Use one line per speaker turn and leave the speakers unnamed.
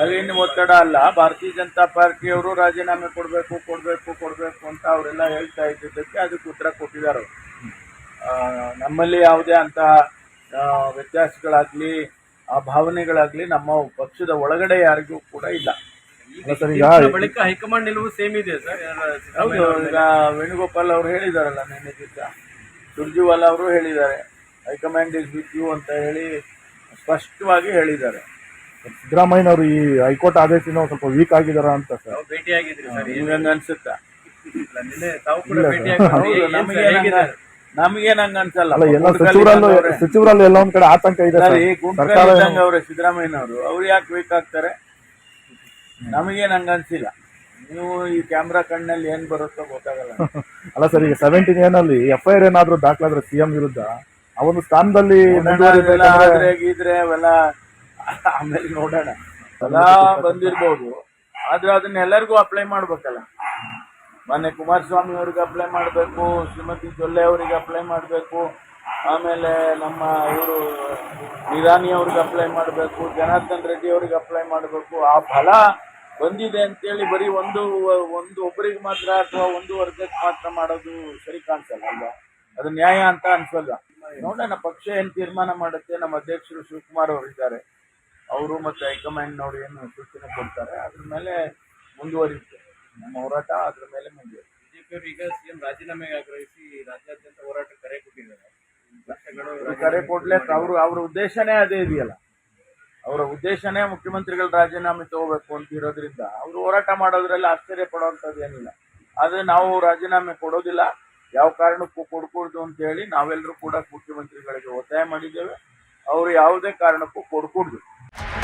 ಒಳಗಿನ ಒತ್ತಡ ಅಲ್ಲ. ಭಾರತೀಯ ಜನತಾ ಪಾರ್ಟಿಯವರು ರಾಜೀನಾಮೆ ಕೊಡಬೇಕು ಕೊಡಬೇಕು ಕೊಡಬೇಕು ಅಂತ ಅವರೆಲ್ಲ ಹೇಳ್ತಾ ಇದ್ದಿದ್ದಕ್ಕೆ ಅದಕ್ಕೆ ಉತ್ತರ ಕೊಟ್ಟಿದ್ದಾರೆ. ನಮ್ಮಲ್ಲಿ ಯಾವುದೇ ಅಂತ ವ್ಯತ್ಯಾಸಗಳಾಗ್ಲಿ ಆ ಭಾವನೆಗಳಾಗ್ಲಿ ನಮ್ಮ ಪಕ್ಷದ ಒಳಗಡೆ ಯಾರಿಗೂ ಕೂಡ ಇಲ್ಲ.
ಬಳಿಕ ಹೈಕಮಾಂಡ್ ನಿಲುವು ಸೇಮ್ ಇದೆ ಸರ್.
ಹೌದು, ಈಗ ವೇಣುಗೋಪಾಲ್ ಅವರು ಹೇಳಿದಾರಲ್ಲ ನಿನ್ನೆ ದಿವಸ, ಸುರ್ಜಿವಾಲಾ ಅವರು ಹೇಳಿದ್ದಾರೆ ಹೈಕಮಾಂಡ್ ಇಸ್ ವಿತ್ ಯು ಅಂತ ಹೇಳಿ ಸ್ಪಷ್ಟವಾಗಿ ಹೇಳಿದ್ದಾರೆ.
ಸಿದ್ದರಾಮಯ್ಯನವರು ಈ ಹೈಕೋರ್ಟ್ ಆದೇಶನ ಸ್ವಲ್ಪ ವೀಕ್ ಆಗಿದಾರ ಅಂತ ಸರ್
ಭೇಟಿಯಾಗಿದ್ರಿ ಸರ್,
ನಿಮ್ಗೆ ಅನ್ಸುತ್ತಾ?
ನಿನ್ನೆ ತಾವು ಕೂಡ ಭೇಟಿಯಾಗಿದ್ದಾರೆ.
ನಮಗೇನ್ ಹಂಗ ಅನ್ಸಲ್ಲ.
ಎಲ್ಲ ಸಚಿವರಲ್ಲಿ ಎಲ್ಲ ಒಂದ್ ಕಡೆ ಆತಂಕ ಇದೆ
ಅವ್ರೆ ಸಿದ್ದರಾಮಯ್ಯನವರು, ಅವ್ರು ಯಾಕೆ ವೀಕ್ ಆಗ್ತಾರೆ? ನಮಗೇನ್ ಹಂಗ ಅನ್ಸಿಲ್ಲ. ನೀವು ಈ ಕ್ಯಾಮ್ರಾ ಕಣ್ಣಲ್ಲಿ ಏನ್ ಬರುತ್ತೋ ಗೊತ್ತಾಗಲ್ಲ.
ಅಲ್ಲ ಸರ್, ಈಗ 17 ಏನಲ್ಲಿ FIR ಏನಾದ್ರು ದಾಖಲಾದ್ರೆ ಸಿಎಂ ವಿರುದ್ಧ ಆ ಒಂದು ಸ್ಥಾನದಲ್ಲಿ
ಗೀದ್ರೆ ಅವೆಲ್ಲ ಆಮೇಲೆ ನೋಡೋಣ. ಎಲ್ಲ ಬಂದಿರ್ಬೋದು, ಆದ್ರೆ ಅದನ್ನ ಎಲ್ಲರಿಗೂ ಅಪ್ಲೈ ಮಾಡ್ಬೇಕಲ್ಲ. ಮೊನ್ನೆ ಕುಮಾರಸ್ವಾಮಿ ಅವ್ರಿಗೆ ಅಪ್ಲೈ ಮಾಡಬೇಕು, ಶ್ರೀಮತಿ ಜೊಲ್ಲೆ ಅವರಿಗೆ ಅಪ್ಲೈ ಮಾಡಬೇಕು, ಆಮೇಲೆ ನಮ್ಮ ಇವರು ನಿರಾನಿ ಅವ್ರಿಗೆ ಅಪ್ಲೈ ಮಾಡಬೇಕು, ಜನಾರ್ದನ್ ರೆಡ್ಡಿ ಅವ್ರಿಗೆ ಅಪ್ಲೈ ಮಾಡಬೇಕು. ಆ ಫಲ ಬಂದಿದೆ ಅಂತೇಳಿ ಬರೀ ಒಂದು ಒಬ್ಬರಿಗೆ ಮಾತ್ರ ಅಥವಾ ಒಂದು ವರ್ಗಕ್ಕೆ ಮಾತ್ರ ಮಾಡೋದು ಸರಿ ಕಾಣಿಸಲ್ಲ ಅಲ್ವಾ? ಅದು ನ್ಯಾಯ ಅಂತ ಅನ್ಸಲ್ಲ. ನೋಡೋಣ, ಪಕ್ಷ ಏನ್ ತೀರ್ಮಾನ ಮಾಡುತ್ತೆ. ನಮ್ಮ ಅಧ್ಯಕ್ಷರು ಶಿವಕುಮಾರ್ ಅವರು ಇದ್ದಾರೆ, ಅವರು ಮತ್ತೆ ಹೈಕಮಾಂಡ್ ನೋಡಿ ಏನು ಸೂಚನೆ ಕೊಡ್ತಾರೆ, ಅದ್ರ ಮೇಲೆ ಮುಂದುವರಿಯುತ್ತೆ ನಮ್ಮ ಹೋರಾಟ. ಅದ್ರ ಮೇಲೆ ಮುಂದುವರಿಯುತ್ತೆ.
ಬಿಜೆಪಿಯವರು ಈಗ ಸಿಎಂ ರಾಜೀನಾಮೆಗೆ ಆಗ್ರಹಿಸಿ ರಾಜ್ಯಾದ್ಯಂತ ಹೋರಾಟ ಕರೆ ಕೊಟ್ಟಿದ್ದಾರೆ.
ಕರೆ ಕೊಡ್ಲಿಕ್ಕೆ ಅವ್ರ ಉದ್ದೇಶನೇ ಅದೇ ಇದೆಯಲ್ಲ. ಅವರ ಉದ್ದೇಶನೇ ಮುಖ್ಯಮಂತ್ರಿಗಳು ರಾಜೀನಾಮೆ ತಗೋಬೇಕು ಅಂತ ಇರೋದ್ರಿಂದ ಅವರು ಹೋರಾಟ ಮಾಡೋದ್ರಲ್ಲಿ ಆಶ್ಚರ್ಯ ಪಡುವಂಥದ್ದು ಏನಿಲ್ಲ. ಆದ್ರೆ ನಾವು ರಾಜೀನಾಮೆ ಕೊಡೋದಿಲ್ಲ, ಯಾವ ಕಾರಣಕ್ಕೂ ಕೊಡ್ಕೂಡ್ದು ಅಂತ ಹೇಳಿ ನಾವೆಲ್ಲರೂ ಕೂಡ ಮುಖ್ಯಮಂತ್ರಿಗಳಿಗೆ ಒತ್ತಾಯ ಮಾಡಿದ್ದೇವೆ. ಅವರು ಯಾವುದೇ ಕಾರಣಕ್ಕೂ ಕೊಡ್ಕೂಡ್ದು.